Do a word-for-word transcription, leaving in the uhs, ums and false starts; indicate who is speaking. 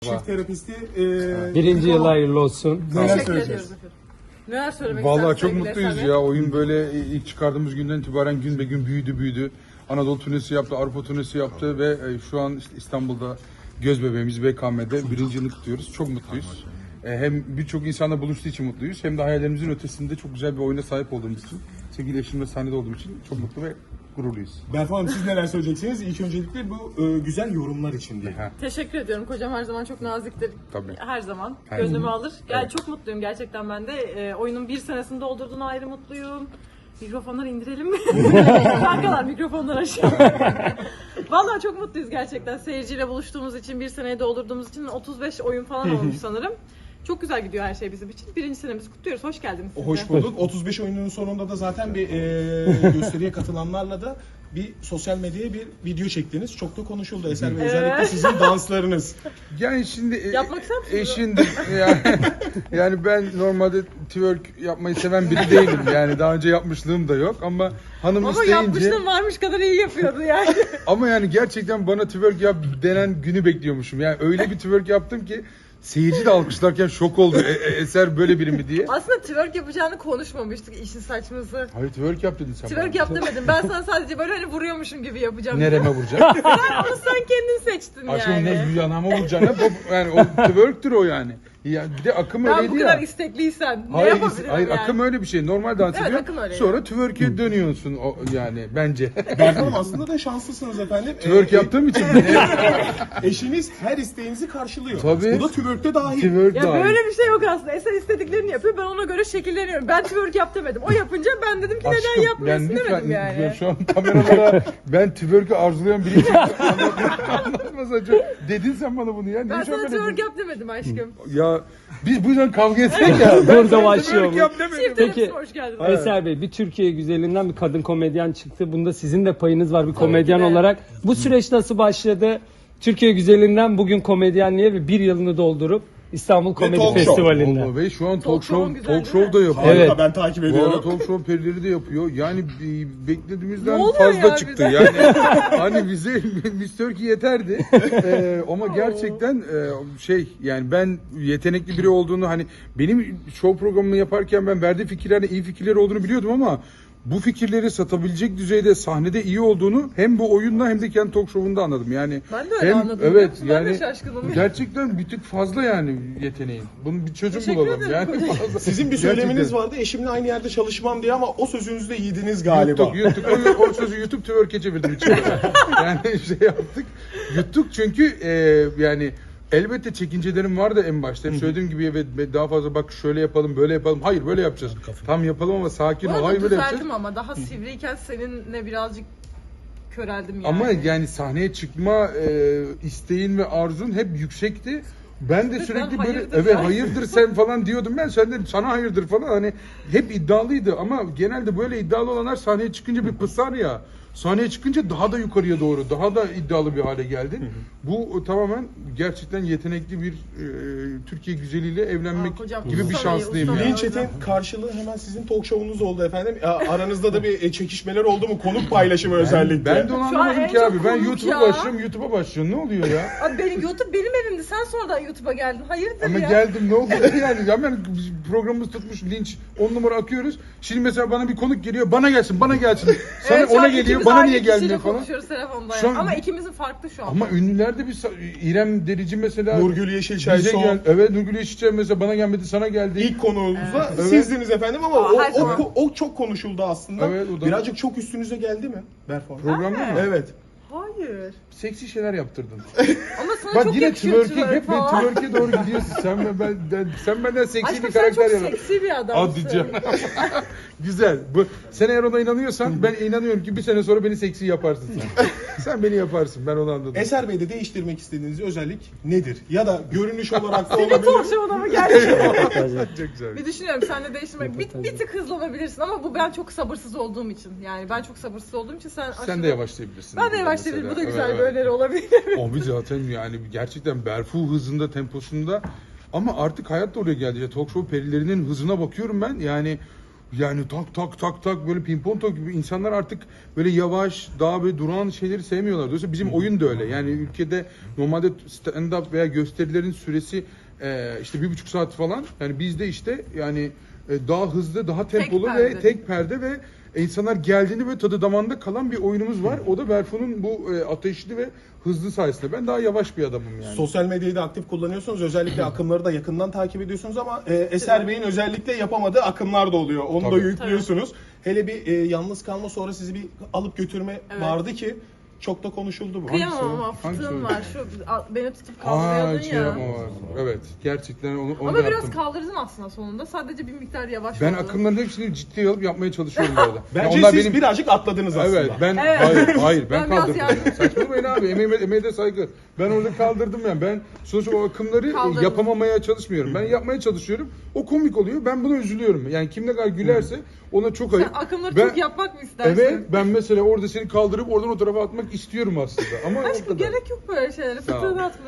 Speaker 1: Çift terapisti. E,
Speaker 2: Birinci yıl hayırlı olsun.
Speaker 1: Neler
Speaker 3: Teşekkür
Speaker 1: söyleyeceğiz?
Speaker 3: ediyoruz efendim. Neler söylemek
Speaker 4: Vallahi
Speaker 3: istersiniz
Speaker 4: çok
Speaker 3: sevgili
Speaker 4: mutluyuz
Speaker 3: Eser Bey?
Speaker 4: ya. Oyun böyle ilk çıkardığımız günden itibaren gün be gün büyüdü büyüdü. Anadolu turnesi yaptı, Avrupa turnesi yaptı ve e, şu an işte İstanbul'da göz bebeğimiz B K M'de birinci yılını kutluyoruz. Çok mutluyuz. E, Hem birçok insanla buluştuğu için mutluyuz, hem de hayallerimizin ötesinde çok güzel bir oyuna sahip olduğumuz için, sevgili eşimle sahnede olduğum için çok mutlu ve gururluyuz.
Speaker 1: Berfu Hanım, siz neler söyleyeceksiniz? İlk öncelikle bu e, güzel yorumlar için diye.
Speaker 4: Ha,
Speaker 3: Teşekkür ediyorum. Kocam her zaman çok naziktir.
Speaker 4: Tabii.
Speaker 3: Her zaman.
Speaker 4: Her
Speaker 3: Gönlümü
Speaker 4: zaman.
Speaker 3: alır. Yani
Speaker 4: Evet.
Speaker 3: çok mutluyum gerçekten ben de. E, oyunun bir senesini doldurduğuna ayrı mutluyum. Mikrofonları indirelim mi? Kankalar mikrofonları aşağı. Vallahi çok mutluyuz gerçekten. Seyirciyle buluştuğumuz için, bir seneyi doldurduğumuz için otuz beş oyun falan olmuş sanırım. Çok güzel gidiyor her şey bizim için. Birinci senemizi kutluyoruz. Hoş geldiniz siz de.
Speaker 1: Hoş bulduk. otuz beş oyunun sonunda da zaten bir e, gösteriye katılanlarla da bir sosyal medyaya bir video çektiniz. Çok da konuşuldu Eser Bey. Özellikle
Speaker 3: Evet.
Speaker 1: sizin danslarınız.
Speaker 4: Yani şimdi e,
Speaker 3: Yapmak ister misiniz?
Speaker 4: e, şimdi yani, yani ben normalde twerk yapmayı seven biri değilim. Yani daha önce yapmışlığım da yok ama hanım
Speaker 3: Ama
Speaker 4: isteyince
Speaker 3: yapmışlığım varmış kadar iyi yapıyordu yani.
Speaker 4: ama yani gerçekten bana twerk yap denen günü bekliyormuşum. Yani öyle bir twerk yaptım ki seyirci de alkışlarken şok oldu. E, e, Eser böyle biri mi diye.
Speaker 3: Aslında twerk yapacağını konuşmamıştık işin saçması.
Speaker 4: Hayır, twerk yap dedin sen
Speaker 3: Twerk
Speaker 4: bana.
Speaker 3: yap demedim. Ben sana sadece böyle hani vuruyormuşum gibi yapacağım.
Speaker 4: Nereme vuracağım?
Speaker 3: Onu sen kendin seçtin
Speaker 4: Aşkım
Speaker 3: yani.
Speaker 4: ne yanağıma vuracaksın? ha? Bu- Yani o twerktür o yani. Ya bir de akım
Speaker 3: Ben
Speaker 4: öyleydi
Speaker 3: bu
Speaker 4: ya.
Speaker 3: kadar istekliysen ne
Speaker 4: Hayır,
Speaker 3: yapabilirim
Speaker 4: hayır
Speaker 3: yani?
Speaker 4: akım öyle bir şey. Normal dans
Speaker 3: Evet,
Speaker 4: ediyor.
Speaker 3: akım öyle
Speaker 4: Sonra twerk'e dönüyorsun o, yani bence.
Speaker 1: Berfu Hanım, aslında da şanslısınız efendim.
Speaker 4: Twerk
Speaker 1: E,
Speaker 4: yaptığım için.
Speaker 1: Eşiniz her isteğinizi karşılıyor.
Speaker 4: Tabii.
Speaker 1: Bu da twerk'te dahil.
Speaker 4: Twerk
Speaker 3: Ya
Speaker 4: dahil.
Speaker 3: böyle bir şey yok aslında. Eser istediklerini yapıyor. Ben ona göre şekilleniyorum. Ben twerk yap demedim. O yapınca ben dedim ki neden
Speaker 4: Aşkım,
Speaker 3: yapmıyorsun
Speaker 4: ben lütfen-
Speaker 3: demedim yani.
Speaker 4: ben şu an kameralara ben twerk'ü arzulayan biri için anlatmasa çok. Dedin sen bana bunu ya. Niye
Speaker 3: Ben
Speaker 4: şu an
Speaker 3: sana
Speaker 4: böyle
Speaker 3: twerk
Speaker 4: dedin?
Speaker 3: yap demedim aşkım.
Speaker 4: Ya biz bu yüzden kavga etsek ya. Ben
Speaker 2: Burada
Speaker 4: sana
Speaker 2: başlıyor
Speaker 4: twerk
Speaker 2: bu.
Speaker 4: yap demedim.
Speaker 3: Çift
Speaker 2: Peki.
Speaker 3: Peki. Hoş geldiniz.
Speaker 2: Eser Bey, bir Türkiye güzelinden bir kadın komedyen çıktı. Bunda sizin de payınız var bir komedyen
Speaker 3: ki de.
Speaker 2: olarak. Bu süreç nasıl başladı? Türkiye güzelinden bugün komedyenliğe ve bir yılını doldurup İstanbul Komedi
Speaker 1: talk show.
Speaker 2: Festivali'nde.
Speaker 4: Allah Bey şu an
Speaker 3: Talk
Speaker 4: talk
Speaker 3: show'un
Speaker 4: show,
Speaker 3: güzel
Speaker 4: talk
Speaker 3: değil mi?
Speaker 4: show da yapıyor.
Speaker 1: Harika,
Speaker 2: Evet.
Speaker 1: ben takip
Speaker 4: Bu arada
Speaker 1: ediyorum.
Speaker 4: talk show perileri de yapıyor. Yani e, beklediğimizden
Speaker 3: Ne oluyor
Speaker 4: fazla
Speaker 3: ya
Speaker 4: çıktı.
Speaker 3: birden?
Speaker 4: Yani hani bize Miss Turkey yeterdi. Ee, ama gerçekten e, şey yani ben yetenekli biri olduğunu, hani benim show programımı yaparken ben verdiği fikirlerin iyi fikirleri olduğunu biliyordum ama bu fikirleri satabilecek düzeyde sahnede iyi olduğunu hem bu oyunla hem de kendi talk show'unda anladım. Yani
Speaker 3: Ben de öyle
Speaker 4: hem,
Speaker 3: anladım, biliyor
Speaker 4: Evet
Speaker 3: musun? Ben de
Speaker 4: yani
Speaker 3: şaşkınım.
Speaker 4: gerçekten bir tık fazla yani yeteneğin. Bunun bir çözüm
Speaker 3: Teşekkür
Speaker 4: bulalım
Speaker 3: ederim
Speaker 4: yani.
Speaker 3: kocacığım.
Speaker 4: Fazla.
Speaker 1: Sizin bir
Speaker 4: Gerçekten.
Speaker 1: söyleminiz vardı, eşimle aynı yerde çalışmam diye, ama o sözünüzü de yediniz galiba.
Speaker 4: Yuttuk, yuttuk. O, o sözü YouTube twerk'e çevirdim içeri. Yani şey yaptık. Yuttuk çünkü e, yani elbette çekincelerim vardı en başta. Hep söylediğim gibi evet daha fazla bak şöyle yapalım, böyle yapalım. Hayır böyle yapacağız. Tam yapalım ama sakin
Speaker 3: Bu
Speaker 4: ol.
Speaker 3: arada
Speaker 4: Hayır böyle yapacağız.
Speaker 3: düzelttim ama daha sivriyken seninle birazcık köreldim yani.
Speaker 4: Ama yani sahneye çıkma e, isteğin ve arzun hep yüksekti. Ben de
Speaker 3: Ben
Speaker 4: sürekli böyle
Speaker 3: hayırdır
Speaker 4: evet
Speaker 3: sen.
Speaker 4: hayırdır sen falan diyordum ben. Sen de sana hayırdır falan, hani hep iddialıydı ama genelde böyle iddialı olanlar sahneye çıkınca bir pısar ya. Sahneye çıkınca daha da yukarıya doğru, daha da iddialı bir hale geldin. Bu tamamen gerçekten yetenekli bir e, Türkiye güzeliyle evlenmek
Speaker 3: Aa, kocam,
Speaker 4: gibi bir
Speaker 3: usta
Speaker 4: şanslıyım
Speaker 3: bey, usta
Speaker 4: yani.
Speaker 3: bey.
Speaker 1: Linçetin karşılığı hemen sizin talk show'unuz oldu efendim. A- Aranızda da bir e, çekişmeler oldu mu? Konuk paylaşımı özellikle.
Speaker 4: Ben de onu
Speaker 3: Şu an
Speaker 4: anlamadım
Speaker 3: en
Speaker 4: ki
Speaker 3: çok
Speaker 4: abi. Ben
Speaker 3: konuk
Speaker 4: YouTube'a
Speaker 3: ya.
Speaker 4: başlıyorum, YouTube'a başlıyorum. Ne oluyor ya?
Speaker 3: Abi benim YouTube benim evimdi. Sen sonradan YouTube'a geldin. Hayırdır
Speaker 4: Ama
Speaker 3: ya?
Speaker 4: geldim ne oldu yani hemen programımız tutmuş linç on numara akıyoruz. Şimdi mesela bana bir konuk geliyor, bana gelsin bana gelsin. Sana
Speaker 3: Evet, şu
Speaker 4: ona
Speaker 3: an
Speaker 4: geliyor,
Speaker 3: ikimiz
Speaker 4: bana
Speaker 3: aynı
Speaker 4: niye
Speaker 3: kişiyle
Speaker 4: gelmiyor falan.
Speaker 3: konuşuyoruz telefonda
Speaker 4: Şu
Speaker 3: yani.
Speaker 4: an-
Speaker 3: Ama ikimizin farklı şu an.
Speaker 4: Ama ünlülerde bir sa- İrem Derici mesela
Speaker 1: Nurgül Yeşilçay
Speaker 4: bize
Speaker 1: son.
Speaker 4: gel. Evet Nurgül Yeşilçay mesela bana gelmedi, sana geldi.
Speaker 1: İlk konuğumuzda
Speaker 4: Evet.
Speaker 1: sizdiniz efendim, ama
Speaker 3: Aa,
Speaker 1: o,
Speaker 3: her
Speaker 1: o,
Speaker 3: zaman.
Speaker 1: o, o çok konuşuldu aslında.
Speaker 4: Evet, o da-
Speaker 1: Birazcık çok üstünüze geldi mi Berfu Hanım?
Speaker 4: Programda mı?
Speaker 1: Evet.
Speaker 3: Hayır.
Speaker 4: Seksi şeyler yaptırdın.
Speaker 3: Ama sana
Speaker 4: Bak
Speaker 3: çok
Speaker 4: yine
Speaker 3: yakışıyor
Speaker 4: twerk'e
Speaker 3: twerk
Speaker 4: hep bir
Speaker 3: falan.
Speaker 4: twerk'e doğru gidiyorsun. Sen ben, ben sen benden seksi
Speaker 3: Aşkım
Speaker 4: bir
Speaker 3: sen
Speaker 4: karakter
Speaker 3: çok
Speaker 4: yarat.
Speaker 3: seksi bir adamsın.
Speaker 4: Hadi canım. Güzel. Bu sen eğer ona inanıyorsan ben inanıyorum ki bir sene sonra beni seksi yaparsın sen. Sen beni yaparsın. Ben onu anladım.
Speaker 1: Eser Bey'de değiştirmek istediğiniz özellik nedir? Ya da görünüş olarak da
Speaker 3: Senin talk
Speaker 1: olabilir.
Speaker 3: show'una mı geldi?
Speaker 4: Çok güzel.
Speaker 3: Bir düşünüyorum seninle değiştirmek. Bir, bir tık hızlanabilirsin ama bu ben çok sabırsız olduğum için. Yani ben çok sabırsız olduğum için sen
Speaker 4: Sen
Speaker 3: aşırı-
Speaker 4: de yavaşlayabilirsin.
Speaker 3: Ben de
Speaker 4: burada
Speaker 3: yavaşlayabilirim. Bu da
Speaker 4: mesela.
Speaker 3: güzel
Speaker 4: Evet,
Speaker 3: bir
Speaker 4: evet.
Speaker 3: öneri olabilir.
Speaker 4: Abi zaten yani gerçekten Berfu hızında, temposunda, ama artık hayat da oraya geldi. Ya, talk show perilerinin hızına bakıyorum ben. Yani Yani tak tak tak tak böyle pimpon top gibi insanlar artık böyle yavaş, daha böyle duran şeyleri sevmiyorlar. Dolayısıyla bizim oyun da öyle. Yani ülkede normalde stand-up veya gösterilerin süresi e, işte bir buçuk saat falan. Yani bizde işte yani e, daha hızlı, daha tempolu ve
Speaker 3: perde.
Speaker 4: tek perde ve insanlar geldiğinde böyle tadı damağında kalan bir oyunumuz var. O da Berfu'nun bu e, ateşli ve hızlı sayesinde. Ben daha yavaş bir adamım yani.
Speaker 1: Sosyal medyayı da aktif kullanıyorsunuz. Özellikle akımları da yakından takip ediyorsunuz ama e, Eser Bey'in özellikle yapamadığı akımlar da oluyor. Onu
Speaker 4: Tabii.
Speaker 1: da yüklüyorsunuz. Hele bir e, yalnız kalma sonra sizi bir alıp götürme
Speaker 3: Evet.
Speaker 1: vardı ki çok da konuşuldu bu.
Speaker 3: Kıyamam
Speaker 4: o?
Speaker 3: ama
Speaker 4: Hangisi
Speaker 3: fıtığım
Speaker 4: o?
Speaker 3: var. Şu a- beni tutup
Speaker 4: Aa,
Speaker 3: kaldırıyordun
Speaker 4: şey
Speaker 3: ya.
Speaker 4: yapma var. Evet. Gerçekten onu, onu
Speaker 3: Ama
Speaker 4: da
Speaker 3: biraz
Speaker 4: yaptım.
Speaker 3: kaldırdın aslında sonunda. Sadece bir miktar yavaş
Speaker 4: Ben
Speaker 3: oldu.
Speaker 4: akımların hepsini ciddiye alıp yapmaya çalışıyorum bu arada.
Speaker 1: Bence
Speaker 4: Yani onlar
Speaker 1: siz
Speaker 4: benim-
Speaker 1: birazcık atladınız aslında.
Speaker 4: Evet ben
Speaker 3: Evet.
Speaker 4: hayır hayır ben,
Speaker 3: Ben biraz
Speaker 4: kaldırdım.
Speaker 3: yardım-
Speaker 4: Saçmalamayın abi. Emeğime, emeğe de saygı. Ben orada kaldırdım yani. Ben sonuçta o akımları
Speaker 3: Kaldırdın.
Speaker 4: yapamamaya çalışmıyorum. Ben yapmaya çalışıyorum. O komik oluyor. Ben buna üzülüyorum. Yani kim ne kadar gülerse ona çok ayıp.
Speaker 3: Sen akımları
Speaker 4: Ben-
Speaker 3: çok yapmak mı istersin?
Speaker 4: Evet ben mesela orada seni kaldırıp oradan o tarafa atmak istiyorum aslında. Ama o
Speaker 3: Aşkım
Speaker 4: kadar.
Speaker 3: gerek yok böyle şeylere.
Speaker 4: Sağ ol.
Speaker 3: Fıtığını atma.